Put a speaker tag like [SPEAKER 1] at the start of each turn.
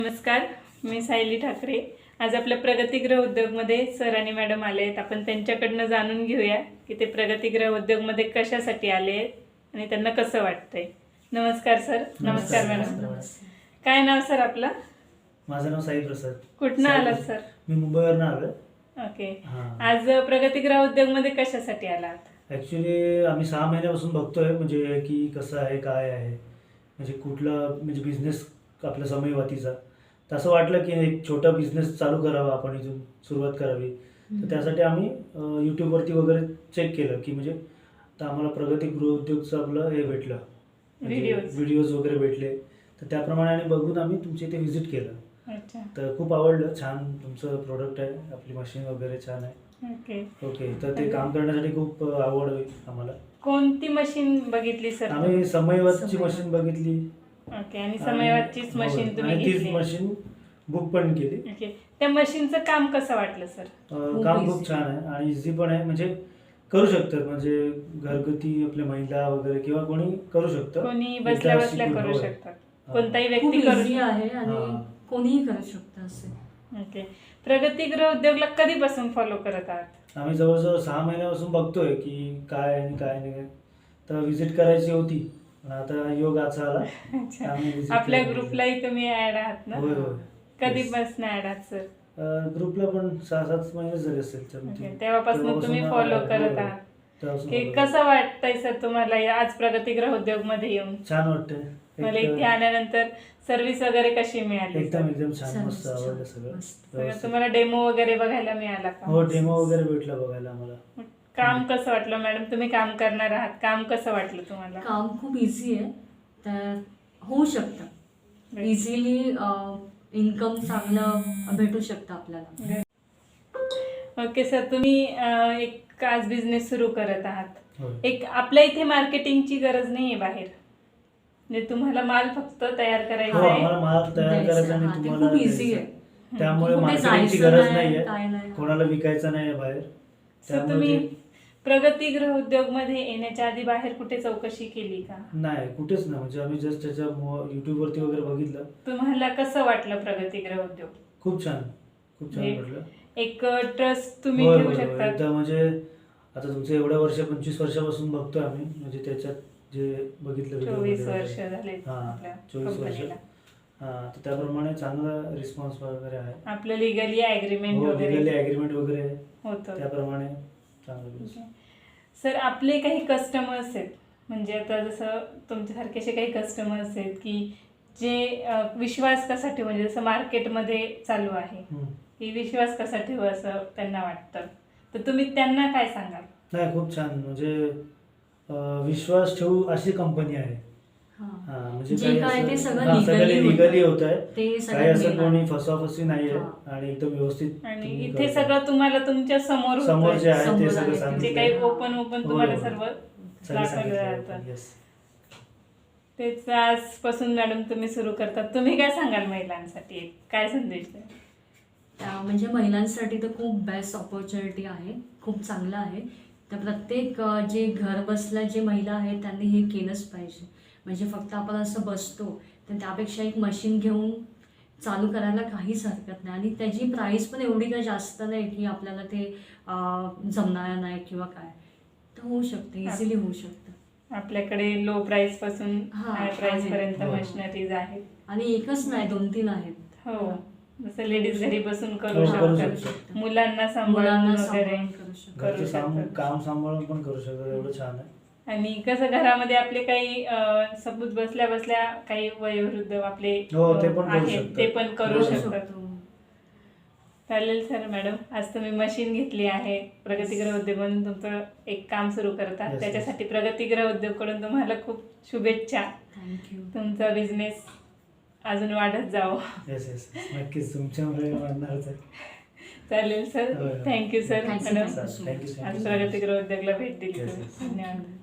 [SPEAKER 1] नमस्कार, मी सायली ठाकरे. आज आपल्या प्रगतीगृह उद्योगमध्ये सर आणि मॅडम आले आहेत. आपण त्यांच्याकडनं जाणून घेऊया की ते प्रगतीगृह उद्योगमध्ये कशासाठी आले आहेत आणि त्यांना कसं वाटतंय. नमस्कार सर. नमस्कार मॅडम. काय नाव सर आपलं?
[SPEAKER 2] माझं नाव साई प्रसाद.
[SPEAKER 1] कुठनं आलात सर?
[SPEAKER 2] मी मुंबईवरून आलोय.
[SPEAKER 1] ओके. आज प्रगतीगृह उद्योगमध्ये कशासाठी आलात?
[SPEAKER 2] ॲक्च्युली आम्ही 6 महिन्यापासून बघतोय म्हणजे की कसं आहे काय आहे, म्हणजे कुठला म्हणजे बिझनेस आपल्या समयवातीचा. तर असं वाटलं की एक छोटा बिझनेस चालू करावा, आपण इथून सुरुवात करावी. तर त्यासाठी आम्ही यूट्यूबवरती वगैरे चेक केलं की म्हणजे तर आम्हाला प्रगतीगृह उद्योगचं आपलं हे भेटलं, व्हिडिओज वगैरे भेटले. तर त्याप्रमाणे आणि बघून आम्ही तुमच्या इथे व्हिजिट केलं.
[SPEAKER 1] अच्छा.
[SPEAKER 2] तर खूप आवडलं. छान तुमचं प्रोडक्ट आहे, आपली मशीन वगैरे छान आहे. ओके. तर ते काम करण्यासाठी खूप आवड होईल आम्हाला.
[SPEAKER 1] कोणती मशीन बघितली सर?
[SPEAKER 2] आम्ही समयवादची मशीन बघितली.
[SPEAKER 1] ओके. आणि समयवादचीच मशीन तुम्ही
[SPEAKER 2] आणि तीच
[SPEAKER 1] घेतली?
[SPEAKER 2] मशीन बुक पण केली.
[SPEAKER 1] ओके. त्या मशीनचं काम कसं वाटलं सर?
[SPEAKER 2] काम खूप छान आहे आणि इझी पण आहे, म्हणजे करू शकतात, म्हणजे घरगुती आपल्या महिला वगैरे किंवा कोणी करू शकतं.
[SPEAKER 1] कोणी बसल्या बसल्या करू शकतात, कोणताही व्यक्ती करू शकतो
[SPEAKER 3] आहे आणि कोणीही करू शकतं असे.
[SPEAKER 1] ओके. प्रगतीगृह उद्योगला कधीपासून फॉलो करत आहात?
[SPEAKER 2] आम्ही जवळजवळ 6 महिन्यापासून बघतोय की काय आणि काय नाही. तर व्हिजिट करायची होती, पण आता योग असा आला.
[SPEAKER 1] आपल्या ग्रुपलाही तुम्ही ऍड आहात ना?
[SPEAKER 2] होय होय.
[SPEAKER 1] कधीपासून ऍड आहात सर?
[SPEAKER 2] ग्रुपला पण 6-7 महिने झाले असेल.
[SPEAKER 1] तेव्हापासून तुम्ही फॉलो करत आहात. की कसं वाटतंय सर तुम्हाला आज प्रगतीगृह उद्योग मध्ये येऊन?
[SPEAKER 2] छान वाटतंय.
[SPEAKER 1] मला इथे आल्यानंतर सर्व्हिस वगैरे कशी मिळाली?
[SPEAKER 2] एकदम छान, मस्त आवडलं सगळं.
[SPEAKER 1] तुम्हाला डेमो वगैरे बघायला मिळाला का?
[SPEAKER 2] हो, डेमो वगैरे भेटला बघायला आम्हाला.
[SPEAKER 1] काम कसं वाटलं मॅडम? तुम्ही काम करणार आहात, काम कसं वाटलं तुम्हाला?
[SPEAKER 3] काम खूप इझी आहे, तर होऊ शकतं इझिली. इन्कम चांगलं भेटू शकतं आपल्याला.
[SPEAKER 1] ओके सर, तुम्ही एक आज बिझनेस सुरू करत आहात.
[SPEAKER 2] होय.
[SPEAKER 1] एक आपल्या इथे मार्केटिंगची गरज नाहीये बाहेर, म्हणजे तुम्हाला माल फक्त तयार करायचा
[SPEAKER 2] हो,
[SPEAKER 1] आहे.
[SPEAKER 2] आम्हाला माल तयार करायचा आणि
[SPEAKER 3] ते
[SPEAKER 2] तुम्हाला
[SPEAKER 3] खूप इझी आहे.
[SPEAKER 2] त्यामुळे
[SPEAKER 3] कुठे
[SPEAKER 2] मार्केटिंगची
[SPEAKER 3] जायचं
[SPEAKER 2] गरज
[SPEAKER 3] नाही,
[SPEAKER 2] नाहीये,
[SPEAKER 3] काय नाही.
[SPEAKER 2] कोणाला विकायचं नाही बाहेर.
[SPEAKER 1] सर, तुम्ही प्रगतीगृह उद्योग मध्ये येण्याच्या आधी बाहेर कुठे चौकशी केली का?
[SPEAKER 2] नाही, कुठेच नाही. म्हणजे आम्ही जस्ट त्याच्या युट्यूबवरती वगैरे बघितलं.
[SPEAKER 1] तुम्हाला कसं वाटलं प्रगतीगृह उद्योग?
[SPEAKER 2] खूप छान वाटलं.
[SPEAKER 1] एक ट्रस्ट तुम्ही
[SPEAKER 2] होय,
[SPEAKER 1] ठेवू
[SPEAKER 2] होय, होय.
[SPEAKER 1] शकता.
[SPEAKER 2] एकदा म्हणजे आता तुमचं एवढ्या वर्ष 25 वर्षापासून बघतोय आम्ही, म्हणजे त्याच्यात जे बघितलं
[SPEAKER 1] 24 वर्ष झाले
[SPEAKER 2] हां,
[SPEAKER 1] आपल्या
[SPEAKER 2] 24 वर्ष.
[SPEAKER 1] कंपनीला.
[SPEAKER 2] हां, तर त्याप्रमाणे चांगला रिस्पॉन्स वगैरे आहे.
[SPEAKER 1] आपलं लिगली ॲग्रीमेंट
[SPEAKER 2] हो,
[SPEAKER 1] वगैरे
[SPEAKER 2] लिगली ॲग्रीमेंट वगैरे
[SPEAKER 1] होतं.
[SPEAKER 2] त्याप्रमाणे चांगलं.
[SPEAKER 1] सर, आपले काही कस्टमर्स आहेत, म्हणजे आता जसं तुमच्यासारखे असे काही कस्टमर्स आहेत की जे विश्वास कसा ठेवू, म्हणजे जसं मार्केटमध्ये चालू आहे की विश्वास कसा ठेवू असं त्यांना वाटतं, तर तुम्ही त्यांना काय सांगाल?
[SPEAKER 2] नाही, खूप छान, म्हणजे विश्वास ठेवू अशी कंपनी आहे. म्हणजे
[SPEAKER 3] जे काय ते सगळं
[SPEAKER 2] लिगली होत आहे,
[SPEAKER 3] ते
[SPEAKER 2] काही असं कोणी फसवाफसवी नाहीये आणि एकदम व्यवस्थित.
[SPEAKER 1] आणि इथे सगळं तुम्हाला तुमच्या समोर
[SPEAKER 2] जे आहे ते सगळं
[SPEAKER 1] जे
[SPEAKER 2] सांगितलं.
[SPEAKER 1] काही ओपन तुम्हाला सर्व दाखवलं जातं. तेच आजपासून मॅडम तुम्ही सुरू करतात. तुम्ही काय सांगाल महिलांसाठी, काय संदेश द्याल?
[SPEAKER 3] म्हणजे महिलांसाठी तर खूप बेस्ट ऑपॉर्च्युनिटी आहे, खूप चांगलं आहे. तर प्रत्येक जे घर बसल्या जे महिला आहेत त्यांनी हे केलंच पाहिजे. म्हणजे फक्त आपण असं बसतो, तर त्यापेक्षा एक मशीन घेऊन चालू करायला काहीच हरकत नाही. आणि त्याची प्राईस पण एवढी काही जास्त नाही की आपल्याला ते जमणार नाही किंवा काय. तर होऊ शकतं, इझिली होऊ शकतं.
[SPEAKER 1] आपल्याकडे लो प्राइस पासून हाय प्राइस पर्यंत
[SPEAKER 2] हो.
[SPEAKER 1] मशिनरीज आहेत.
[SPEAKER 3] आणि एकच नाही, 2-3 आहेत.
[SPEAKER 1] हो, जसं लेडीज घरी बसून करू
[SPEAKER 2] करू
[SPEAKER 1] शकतात,
[SPEAKER 2] शकतात.
[SPEAKER 1] मुलांना सांभाळून वगैरे
[SPEAKER 3] करू शकतात.
[SPEAKER 1] करू शकतात.
[SPEAKER 2] काम सांभाळून पण करू शकतात. एवढं छान आहे.
[SPEAKER 1] आणि कसं घरामध्ये आपले काही सबूत बसल्या बसल्या काही वयोवृद्ध आपले
[SPEAKER 2] हो, ते पण करू
[SPEAKER 1] आहेत,
[SPEAKER 2] शकतात.
[SPEAKER 1] ते पण करू
[SPEAKER 3] करू
[SPEAKER 1] शकतात.
[SPEAKER 3] शकतो.
[SPEAKER 1] चालेल सर. मॅडम, आज तुम्ही मशीन घेतली आहे, प्रगतीगृह उद्योग म्हणून तुमचं एक काम सुरू करतात.
[SPEAKER 2] Yes,
[SPEAKER 1] त्याच्यासाठी प्रगतीगृह उद्योगकडून तुम्हाला खूप शुभेच्छा.
[SPEAKER 3] थँक्यू.
[SPEAKER 1] तुमचा बिझनेस अजून वाढत जावो.
[SPEAKER 2] येस, नक्कीच तुमच्यामुळे वाढणारच आहे.
[SPEAKER 1] चालेल सर.
[SPEAKER 2] होय.
[SPEAKER 1] Thank you sir.
[SPEAKER 3] Thank you,
[SPEAKER 1] madam,
[SPEAKER 3] thank you so much.
[SPEAKER 1] आज प्रगतीगृह उद्योगला भेट दिली
[SPEAKER 2] Yes,
[SPEAKER 1] तुम्ही.
[SPEAKER 2] yes.
[SPEAKER 1] धन्यवाद.